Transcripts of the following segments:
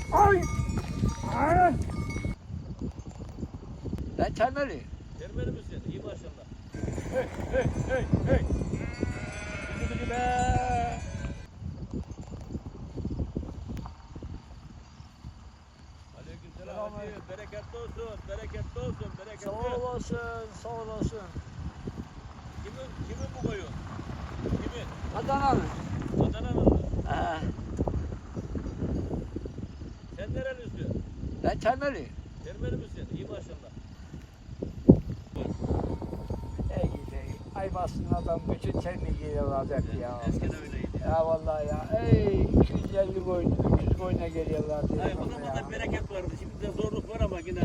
Ay! Ay! Ben termeli. Termeli misin? İyi maşallah. Hey! Gidi be! Aleykümselam. Bereketli olsun, bereketli olsun, bereketli. Sağ olasın. Kimin bu koyun? Kimin? Adana'nın. Adana'nın mı? He. Sen nerelisin? Ben termeli. Termeli misin? İyi maşallah. Ey gidi. Ayvasın adam bütün termi geliyorlar hep ya. Eskiden öyleydi. Ya vallahi ya. Ey 250 koyun, 300 koyuna geliyorlar diye. Hayır, o zaman da bereket vardı. Şimdi de zorluk var ama yine.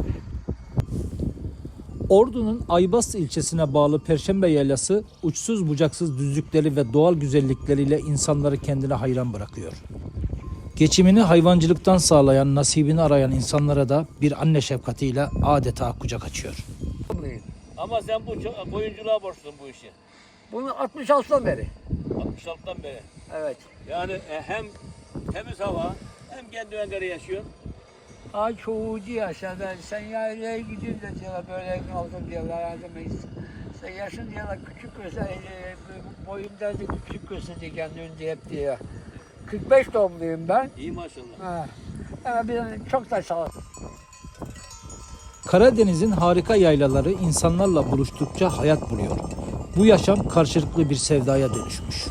Ordu'nun Aybastı ilçesine bağlı Perşembe Yaylası uçsuz bucaksız düzlükleri ve doğal güzellikleriyle insanları kendine hayran bırakıyor. Geçimini hayvancılıktan sağlayan, nasibini arayan insanlara da bir anne şefkatiyle adeta kucak açıyor. Ama sen bu koyunculuğa borçlusun bu işi. Bunu 66'dan beri. 66'dan beri. Evet. Yani hem temiz hava hem kendi öngörü yaşıyorsun. Ay çoğucu yaşa ben. Sen yaylaya gidiyorsun da diyorlar böyle kaldım diyorlar. Yardım sen yaşın diyorlar küçük göster. Boyum derdi küçük gösterdi kendini diye hep diyor. 45 doğumluyum ben. İyi maşallah. Ha. Ama bir çok da sağ ol. Karadeniz'in harika yaylaları insanlarla buluştukça hayat buluyor. Bu yaşam karşılıklı bir sevdaya dönüşmüş.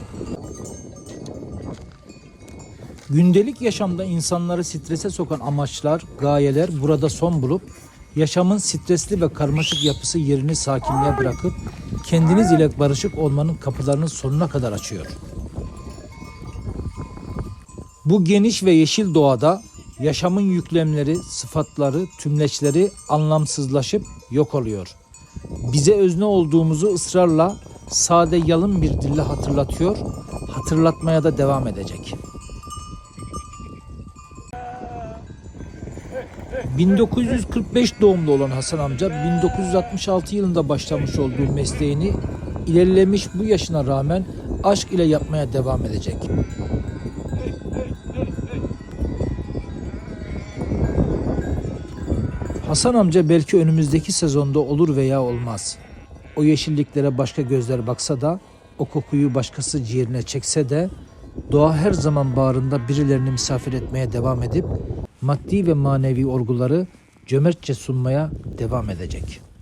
Gündelik yaşamda insanları strese sokan amaçlar, gayeler burada son bulup yaşamın stresli ve karmaşık yapısı yerini sakinliğe bırakıp kendiniz ile barışık olmanın kapılarını sonuna kadar açıyor. Bu geniş ve yeşil doğada yaşamın yüklemleri, sıfatları, tümleçleri anlamsızlaşıp yok oluyor. Bize özne olduğumuzu ısrarla sade yalın bir dille hatırlatıyor, hatırlatmaya da devam edecek. 1945 doğumlu olan Hasan amca 1966 yılında başlamış olduğu mesleğini ilerlemiş bu yaşına rağmen aşk ile yapmaya devam edecek. Hasan amca belki önümüzdeki sezonda olur veya olmaz. O yeşilliklere başka gözler baksa da, o kokuyu başkası ciğerine çekse de, doğa her zaman bağrında birilerini misafir etmeye devam edip, maddi ve manevi olguları cömertçe sunmaya devam edecek.